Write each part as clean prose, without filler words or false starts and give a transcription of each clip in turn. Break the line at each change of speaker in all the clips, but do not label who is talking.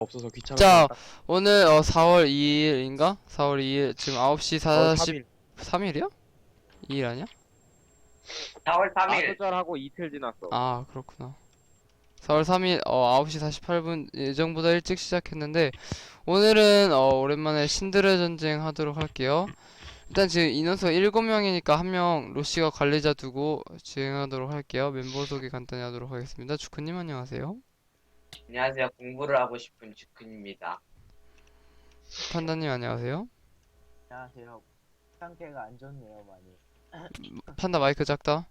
없어서 귀찮아서
자,
딱
오늘 4월 2일인가? 4월 2일 지금 9시
3일
43일이야? 2일 아니야?
4월 3일.
마수절하고 이틀 지났어.
아, 그렇구나. 4월 3일 9시 48분 예정보다 일찍 시작했는데 오늘은 오랜만에 신들의 전쟁 하도록 할게요. 일단 지금 인원수가 7명이니까 한 명 로시가 관리자 두고 진행하도록 할게요. 멤버 소개 간단히 하도록 하겠습니다. 주크님 안녕하세요.
안녕하세요. 공부를 하고 싶은 주크입니다.
판다님 안녕하세요.
안녕하세요. 상태가 안 좋네요, 많이.
판다 마이크 작다.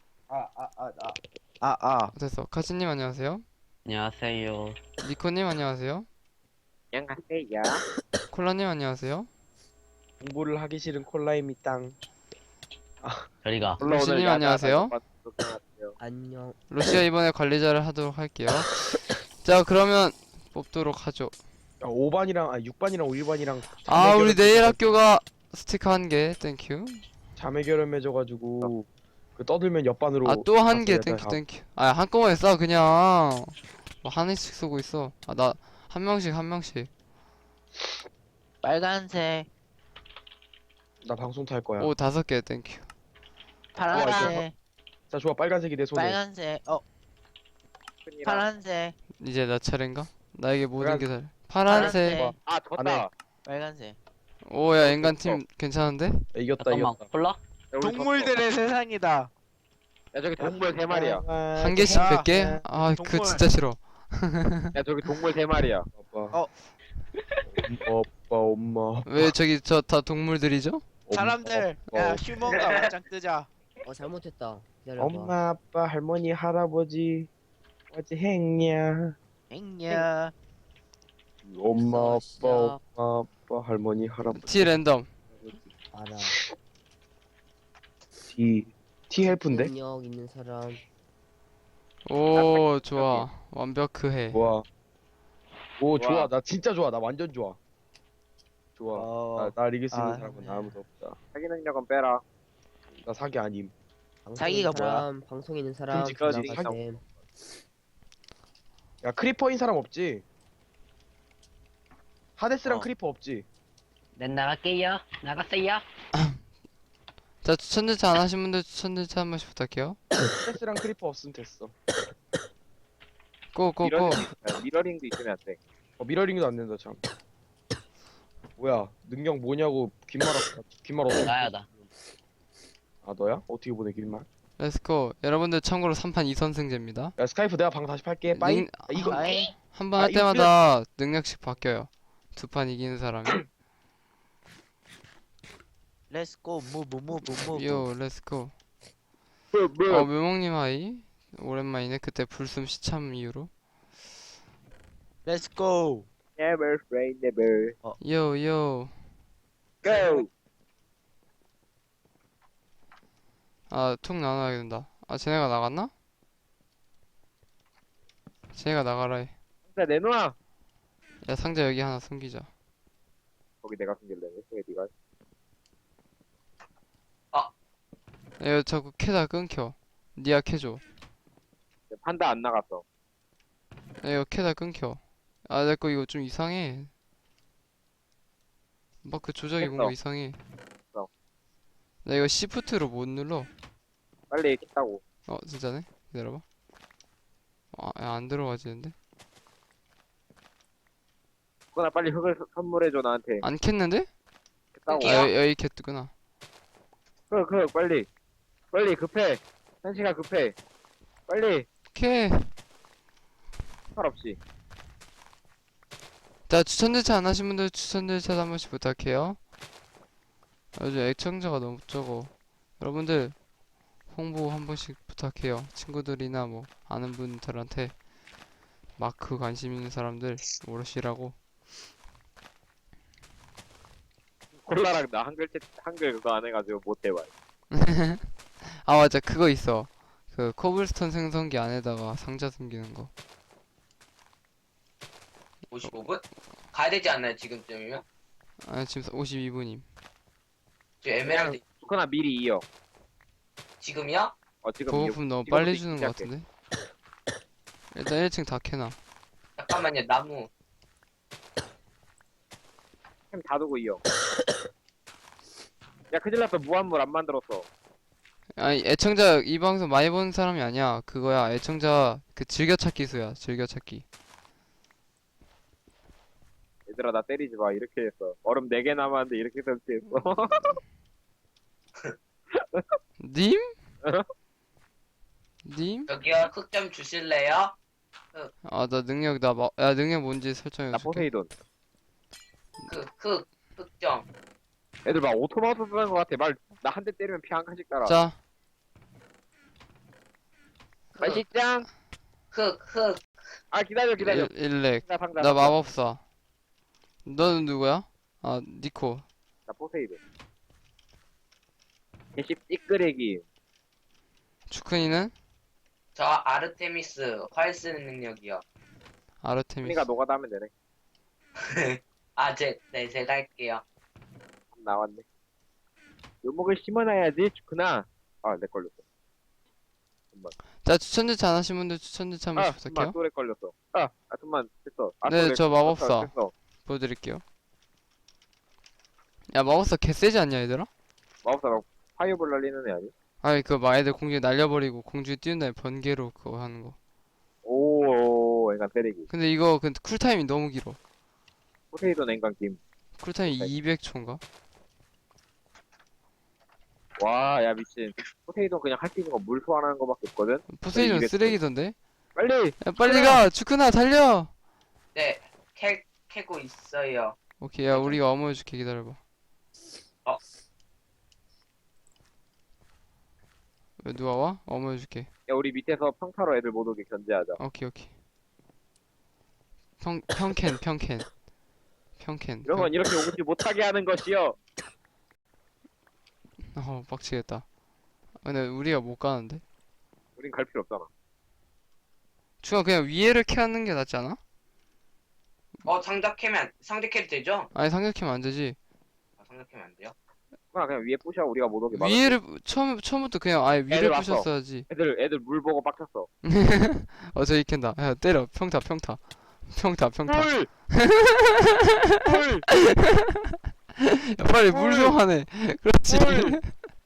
됐어. 카치님 안녕하세요.
안녕하세요.
니코님 안녕하세요.
안녕하세요.
콜라님 안녕하세요.
공부를 하기 싫은 콜라임이 땅.
저리가.
로시님 안녕하세요.
안녕.
로시가 이번에 관리자를 하도록 할게요. 자, 그러면 뽑도록 하죠.
야, 5반이랑 6반이랑 5일반이랑
아, 우리 내일 학교가 스티커 1개 땡큐.
자매 결혼해줘가지고 그 떠들면 옆반으로
아, 또 1개
갔어요.
땡큐 땡큐. 아, 한꺼번에 쏴 그냥. 뭐 하나씩 쏘고 있어. 아, 나 한 명씩.
빨간색,
나 방송 탈 거야.
오, 5개 땡큐.
파란색,
자 좋아, 빨간색이 내 손에.
빨간색, 파란색,
이제 나 차례인가? 나에게 모든 게 다.
파란색,
파란색.
아, 졌다.
빨간색.
오야, 인간팀 괜찮은데?
야, 이겼다
잠깐만.
이겼다.
콜라?
야, 우리
동물들의 세상이다.
야, 저기 동물 3마리야.
한 개씩
야,
100개? 아, 그
동물.
진짜 싫어.
야, 저기 동물 3마리야.
아빠. 엄마.
왜 저기 저 다 동물들이죠?
사람들, 야, 휴먼과 맞짱 뜨자.
잘못했다. 기다려봐.
엄마 아빠 할머니 할아버지 어디 했냐?
행냐.
엄마 아빠
시작.
엄마 아빠 할머니 할아버지.
T 랜덤.
알아.
T 헬프인데?
능력 있는 사람.
오, 좋아. 완벽해.
좋아. 오
좋아.
좋아. 나 진짜 좋아. 나 완전 좋아. 좋아. 날 이길 수 있는
아,
사람은 아무도 없다.
사기 능력은 빼라.
나 사기 아님.
방송
자기가
있는 사람, 방송 있는 사람.
끔찍하지.
나가셈.
야 크리퍼인 사람 없지? 하데스랑
어.
크리퍼 없지?
난 나갈게요. 나갔어요.
자, 추천 절차 안 하신 분들 추천 절차 한 번씩 부탁해요.
하데스랑 크리퍼 없으면 됐어.
고.
미러링도 있으면 안 돼.
미러링도 안 된다 참. 뭐야 능력 뭐냐고 긴말 어떻게?
나야 나.
아 너야? 어떻게 보내 긴말?
렛츠고. 여러분들 참고로 3판 2선승제입니다.
야 스카이프 내가 방 다시 팔게. 빠이.
능-
아, 이거
아이,
한 번
아,
할
이거
때마다 능력씩 바뀌어요. 2판 이기는 사람이.
렛츠고, 무브.
요, 렛츠고.
뭐.
묘목님 하이. 오랜만이네. 그때 불숨 시참 이후로.
렛츠고.
Never say never.
요.
Go.
아, 툭 나눠야 된다. 아, 쟤네가 나갔나? 쟤네가 나가라 해.
자, 내놔.
야, 상자 여기 하나 숨기자.
거기 내가 숨길래. 왜 네가?
야, 이거 자꾸 캐다 끊겨. 니가 캐줘.
판다 안 나갔어.
야, 이거 캐다 끊겨. 아, 내 거 이거 좀 이상해. 막 그 조작이
됐어.
뭔가 이상해.
됐어.
나 이거 시프트로 못 눌러.
빨리 했다고.
진짜네? 기다려봐. 야, 안 들어가지는데?
그거나 빨리 흙을 선물해줘 나한테.
안 캤는데?
했다고.
여기 캤구나.
빨리 급해. 1시간 급해. 빨리.
오케이.
할 없이.
자, 추천 절차 안 하신 분들 추천 절차 한 번씩 부탁해요. 요즘 애청자가 너무 적어. 여러분들 홍보 한 번씩 부탁해요. 친구들이나 뭐 아는 분들한테 마크 관심 있는 사람들 오르시라고.
콜라랑 나 한글 그거 안 해가지고 못 해봐.
아, 맞아, 그거 있어. 그 코블스톤 생성기 안에다가 상자 숨기는 거.
55분? 가야 되지 않나요, 지금쯤이면?
아, 지금 52분임.
저 에메랄드
그거나 미리 이어.
지금이요?
지금
보급품 너무
지금부터
빨리 주는 거
시작해.
같은데? 일단 1층 다 캐놔.
잠깐만요, 나무.
템 다 두고 이어. 야 큰일 났어. 무한물 안 만들었어.
아니 애청자 이 방송 많이 보는 사람이 아니야. 그거야 애청자 그 즐겨찾기 수야. 즐겨찾기.
얘들아 나 때리지 마. 이렇게 했어. 얼음 4개 남았는데 이렇게 설치했어.
님? 님?
저기요, 흙 좀 주실래요?
아 나 능력 야 능력 뭔지
나
설정해줄게.
포세이돈.
흙 좀.
애들 막 오토마우스 쓰는 것 같아. 나 한 대 때리면 피 한 칸씩 따라.
자
맛있짱.
흙.
아 기다려.
일렉.
상자.
나 마법사. 너는 누구야? 아 니코.
나 포세이돈. 개씹 찌끄레기.
주크니는?
저 아르테미스 활 쓰는 능력이요.
아르테미스.
그니까 노가다 하면 되네.
아, 제가 할게요.
나왔네. 요목을 심어놔야지 좋구나. 아, 내 걸렸어.
자 추천제차 안 하신 분들 추천제차 한
아,
번씩
잠만
부탁해요.
또래 걸렸어. 잠만 됐어.
네,
또래
저 마법사.
됐어.
보여드릴게요. 야 마법사 개세지 않냐 얘들아?
마법사 막 파이어볼 날리는 애 아니?
아니 그거 막 애들 공중에 날려버리고 공중에 띄운 다음에 번개로 그거 하는 거.
오, 앵간 때리기.
근데 이거 그 쿨타임이 너무 길어.
포세이돈 앵간 김.
쿨타임이 200초인가?
와, 야 미친. 포세이돈 그냥 할 수 있는 거 물 소환하는 거밖에 없거든.
포세이돈
200 초.
쓰레기던데?
빨리.
야 빨리 가! 주크나 달려!
네, 캐고 있어요.
오케이 야 우리가 어머해줄게 기다려봐.
어.
왜 누가 와? 어머해줄게.
야 우리 밑에서 평타로 애들 못 오게 견제하자.
오케이. 평캔.
이런 건 이렇게 오지 못하게 하는 것이요.
빡치겠다. 근데 우리가 못 가는데?
우린 갈 필요 없잖아.
주가 그냥 위에를 캐하는 게 낫지 않아?
상자 캐도 되죠?
아니 상륙키면 안 되지.
상자 캐면 안 돼요?
그냥 위에 부셔 우리가 못 오게 막아.
위에를 처음부터 그냥 아예 위를
애들 왔어.
부셨어야지.
애들 물 보고 빡쳤어.
저기 캔다. 야 때려. 평타.
물! 물!
야 빨리 물 좀 하네. 그렇지.
물!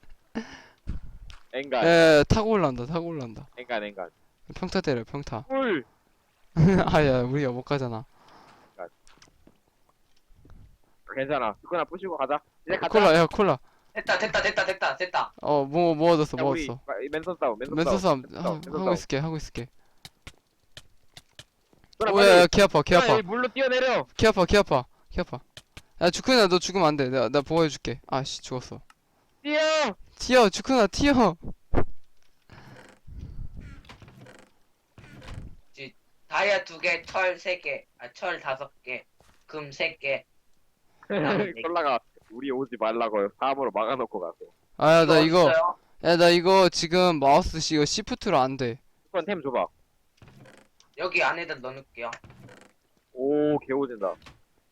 앵간.
야, 타고 올라온다.
앵간.
평타 때려. 평타.
물!
아야 우리가 못 가잖아.
괜찮아. 그거나 부시고 가자. 이제 가자.
콜라. 야 콜라.
됐다.
뭐 얻었어.
야, 우리
뭐 얻었어.
맨손 싸움.
맨손 싸움
맨손
하고 있을게.
그거나
오야
빨리.
키 아파.
야, 여기 물로 뛰어내려.
키 아파. 야 주크나 너 죽으면 안 돼. 나 보호해줄게. 아씨 죽었어.
뛰어!
튀어 주크나 튀어.
다이아 2개, 철 3개, 철 5개, 금 3개.
콜라가 우리 오지 말라고 사암으로 막아놓고 갔어.
아야 나 이거
없어요?
야 나 이거 지금 마우스 이거 시프트로 안 돼.
그건 템 줘봐.
여기 안에다 넣어놓을게요.
오, 개오진다.
야,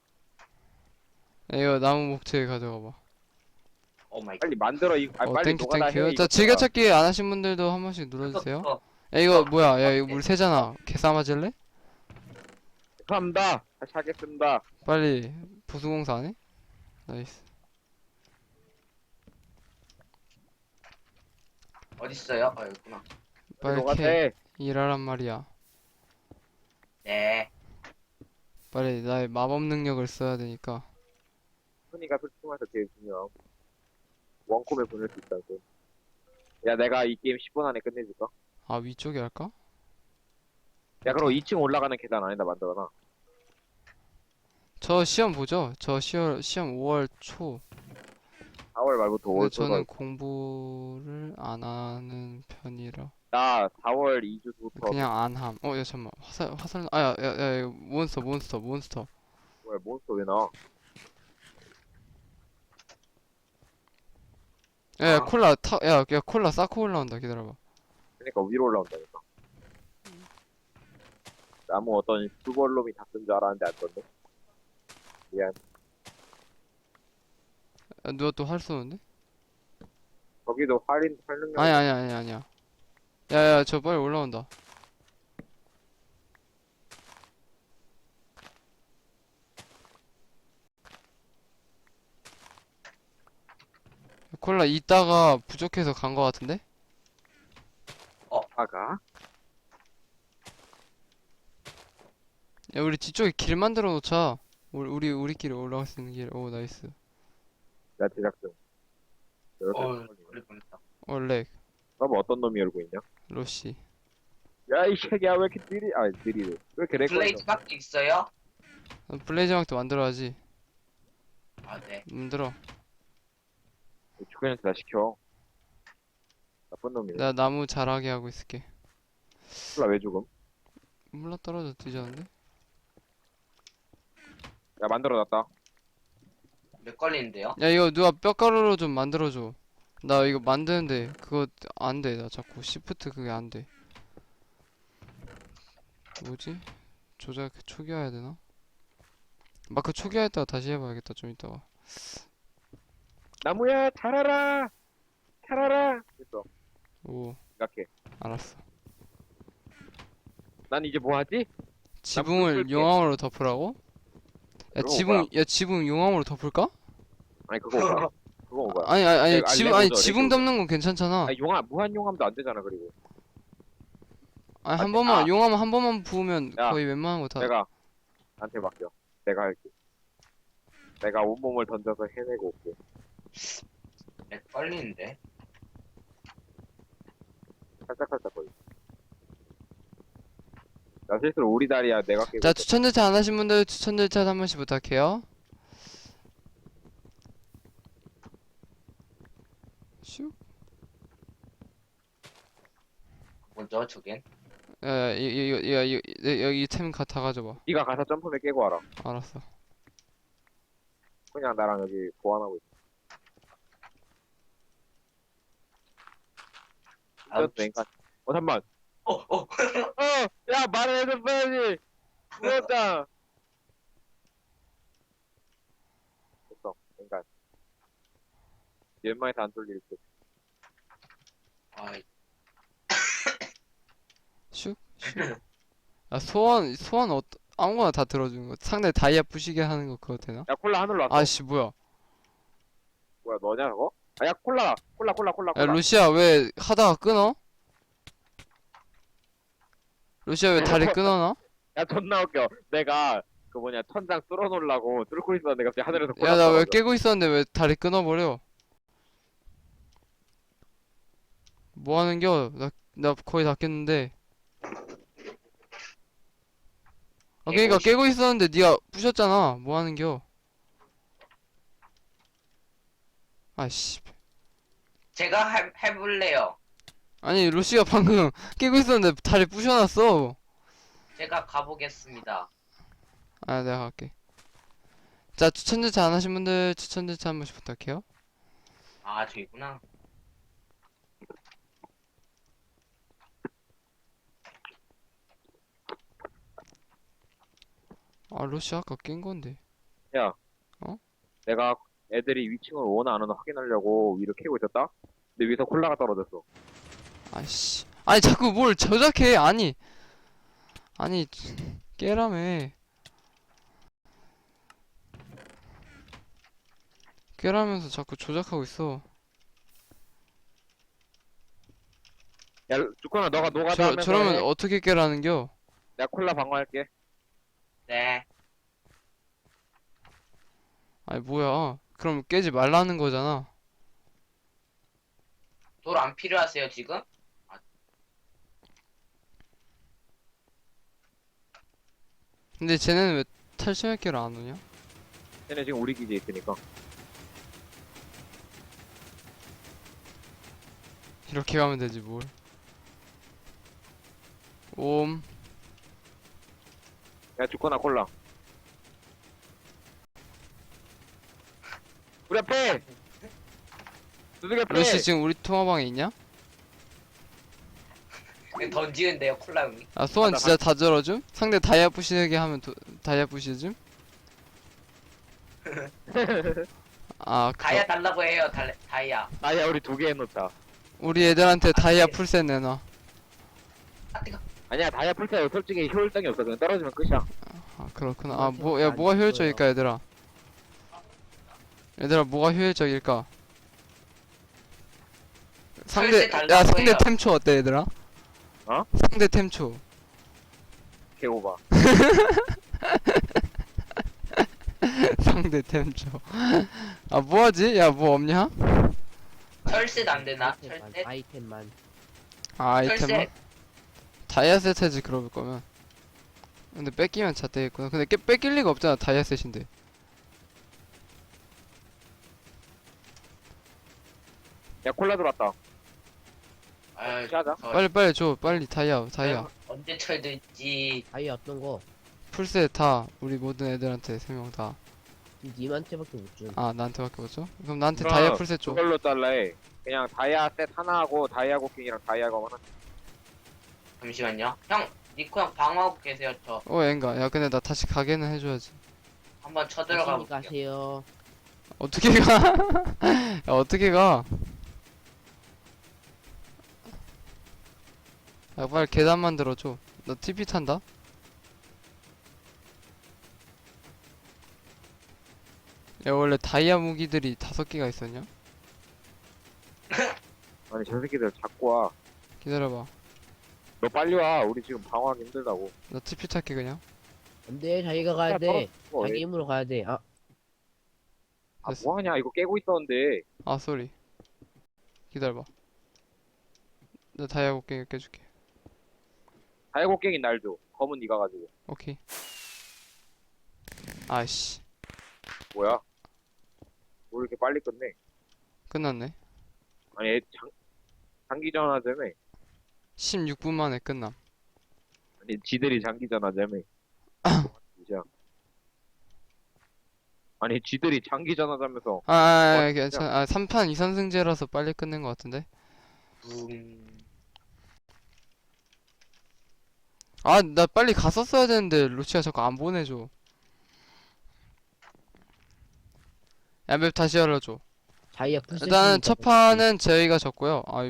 이거 나무 목재 가져가 봐.
오 마이 갓.
빨리 만들어. 빨리
땡큐.
노가다 해.
자
이거.
즐겨찾기 안 하신 분들도 한 번씩 눌러주세요. 야 이거 뭐야? 야 이거 물 새잖아. 개싸 맞을래?
감사합니다. 다시 하겠습니다.
빨리 보수공사 안 해? 나이스.
어딨어요? 여기구나.
빨리
노가다
캐.
해.
일하란 말이야.
네.
빨리 나의 마법 능력을 써야 되니까.
손이가 솔직히 말해서 제일 중요함. 원콤에 보낼 수 있다고. 야, 내가 이 게임 10분 안에 끝내줄까?
아 위쪽에 할까?
야, 그럼 2층 올라가는 계단 안에다 만들어놔.
저 시험 보죠? 저 시험 5월 초.
4월 말부터
근데
5월
저는 공부를 안 하는 편이라.
나 4월 2주부터
그냥 안함. 야 잠만. 화살. 아야 이거 몬스터.
왜 몬스터 왜 나와?
야
아.
콜라 야 콜라 쌓고 올라온다. 기다려봐.
그러니까 위로 올라온다니까. 나무 어떤 수벌놈이 다 쓴 줄 알았는데 안 썼네. 미안.
야, 누가 또 활 쏘는데?
거기도 활능력.
아니야. 야야 저 빨리 올라온다. 콜라 이따가 부족해서 간 거 같은데?
아가.
야, 우리 뒤쪽에 길 만들어 놓자. 우리끼리 올라갈 수 있는 길. 오, 나이스.
나 제작 중. 이렇게
그럴 뻔했다.
렉.
너뭐 어떤 놈이 열고 있냐?
로시.
야, 이 새끼야, 왜 이렇게 느리래. 왜 이렇게 렉 걸려?
블레이즈밖에 있어요?
블레이즈 막도 만들어야지.
아 네.
만들어.
주변한테 다 시켜. 나쁜 놈이네.
내가 나무 자라게 하고 있을게.
콜라 왜 죽음?
몰라, 떨어져 뒤졌는데?
야, 만들어놨다.
몇 걸리는데요?
야, 이거 누가 뼈가루로 좀 만들어줘. 나 이거 만드는데 그거 안 돼. 나 자꾸 시프트 그게 안 돼. 뭐지? 조작 초기화해야 되나? 마크 초기화했다가 다시 해봐야겠다. 좀 이따가.
나무야, 자라라! 자라라! 됐어.
오,
생각해.
알았어.
난 이제 뭐 하지?
지붕을
꿀게.
용암으로 덮으라고? 야,
그거
지붕 용암으로 덮을까?
아니, 그거 오거야. 그거 오거야.
아니,
내가 알레고죠,
지붕
레고.
덮는 건 괜찮잖아.
아니, 무한 용암도 안 되잖아, 그리고.
아니, 한
아니,
번만, 용암 한 번만 부으면
야,
거의 웬만한 거 다.
내가, 나한테 맡겨. 내가 할게. 내가 온몸을 던져서 해내고 올게.
몇 걸리는데?
살짝살짝 걸려. 나 실수로 우리 다리야, 내가 깨고.
자,
있어.
추천 절차 안 하신 분들 추천 절차 한 번씩 부탁해요. 슉.
뭐죠 저겐?
야, 여기 템 다 가져봐.
네가 가서 점프맨 깨고 와라.
알았어.
그냥 나랑 여기 보완하고 있어.
아우,
인간. 잠만.
어.
야, 말을 해서 빼야지. 무섭다. 됐어, 인간. 웬만해서 안 뚫릴 듯.
아이,
슉. 슉. 아, 소원 아무거나 다 들어주는 거. 상대 다이아 부시게 하는 거 그거 되나?
야, 콜라 하늘로 왔어.
아씨, 뭐야?
뭐야, 너냐, 그거? 아, 야, 콜라.
야, 루시아 왜 하다가 끊어? 루시아 왜 다리 끊어놔?
야, 존나 웃겨. 내가, 천장 뚫어놓으려고 뚫고 있었는데 갑자기 하늘에서 콜라
야, 나 왜
떨어져.
깨고 있었는데 왜 다리 끊어버려? 뭐 하는겨? 나 거의 다 깼는데. 아, 그니까 깨고 있었는데 니가 부셨잖아. 뭐 하는겨? 아씨.
제가 해볼래요.
아니, 루시가 방금 깨고 있었는데 다리 부셔놨어.
제가 가보겠습니다.
아, 내가 갈게. 자, 추천 절차 안 하신 분들 추천 절차 한 번씩 부탁해요.
아 저기구나.
아, 루시 아까 깬 건데.
내가 애들이 위층을 오나 안 오나 확인하려고 위로 캐고 있었다? 근데 위에서 콜라가 떨어졌어.
아이씨. 아니, 자꾸 뭘 저작해. 아니, 깨라며. 깨라면서 자꾸 조작하고 있어.
야, 주코나 너가 노가다 하면서
저러면
해.
어떻게 깨라는겨?
내가 콜라 방어할게.
네.
아니, 뭐야. 그럼 깨지 말라는 거잖아.
돌 안 필요하세요 지금?
근데 쟤네는 왜 탈취할게를 안 오냐?
쟤네 지금 우리 기지에 있으니까.
이렇게 가면 되지, 뭘. 옴.
야, 주코나 콜라. 우리 앞에! 두둑이 앞에!
러시 지금 우리 통화방에 있냐?
그냥 던지는데요 콜라 형이.
아, 소원
맞아,
진짜 다 들어줌? 상대 다이아 부시게 하면 다이아 부시줌? 아,
다이아 달라고 해요 다이아.
아야, 우리 2개 해놓자.
우리 애들한테 다이아 풀셋 내놔.
아 뜨거.
아니야, 다이아 풀타요. 솔직히 효율성이 없어. 그냥 떨어지면 끝이야.
아, 그렇구나. 아, 뭐가 효율적일까, 얘들아? 얘들아, 뭐가 효율적일까? 상대
달라고
야 상대
해요.
템초 어때 얘들아?
어?
상대 템초
개오바.
상대 템초 아 뭐하지? 야 뭐 없냐?
철셋 안 되나?
아이템만,
철셋?
아이템만.
아 아이템만?
철셋.
다이아 세트지 그럴 거면. 근데 뺏기면 잣되겠구나. 근데 뺏길 리가 없잖아 다이아 셋인데.
야 콜라 들어왔다.
아유,
시하자.
빨리 줘 빨리 다이아
언제 철 들지?
아이 어떤 거?
풀셋 다 우리 모든 애들한테 3명 다.
님한테밖에 못 준.
아 나한테밖에 못 줘? 그럼 나한테
그럼
다이아 풀셋 줘.
그걸로 잘라해. 그냥 다이아 셋 하나 하고 다이아 고킹이랑 다이아 검 하나.
잠시만요. 형, 니코 형 방어하고 계세요. 저
엔가 야 근데 나 다시 가게는 해줘야지.
한번 쳐들어가
조심히
볼게요.
가세요.
어떻게 가? 야 어떻게 가? 야 빨리 계단 만들어줘. 나 TP 탄다. 야 원래 다이아 무기들이 5개가 있었냐?
아니 저 새끼들 자꾸 와.
기다려봐.
너 빨리 와. 우리 지금 방어하기 힘들다고.
나 TP 탈게 그냥.
안돼 자기가 가야 돼. 자기 힘으로 가야 돼. 아
아 뭐하냐 이거 깨고 있었는데.
아 쏘리. 기다려봐. 나 다이아 곡괭이 깨줄게.
다이아 고킹이 날 줘. 검은 네가 가지고.
오케이. 아이씨.
뭐야? 뭐 이렇게 빨리 끝내?
끝났네.
아니 장기전 하자며.
16분 만에 끝남.
아니 지들이 장기전 하자며. 진짜. 아니 지들이 장기전 하자면서.
괜찮아. 아 3판 2선승제라서 빨리 끝낸 것 같은데. 아 나 빨리 갔었어야 되는데 루치가 자꾸 안 보내줘. 야 맵 다시 열어줘.
자기가 풀.
일단은 첫 판은 저희가 졌고요. 아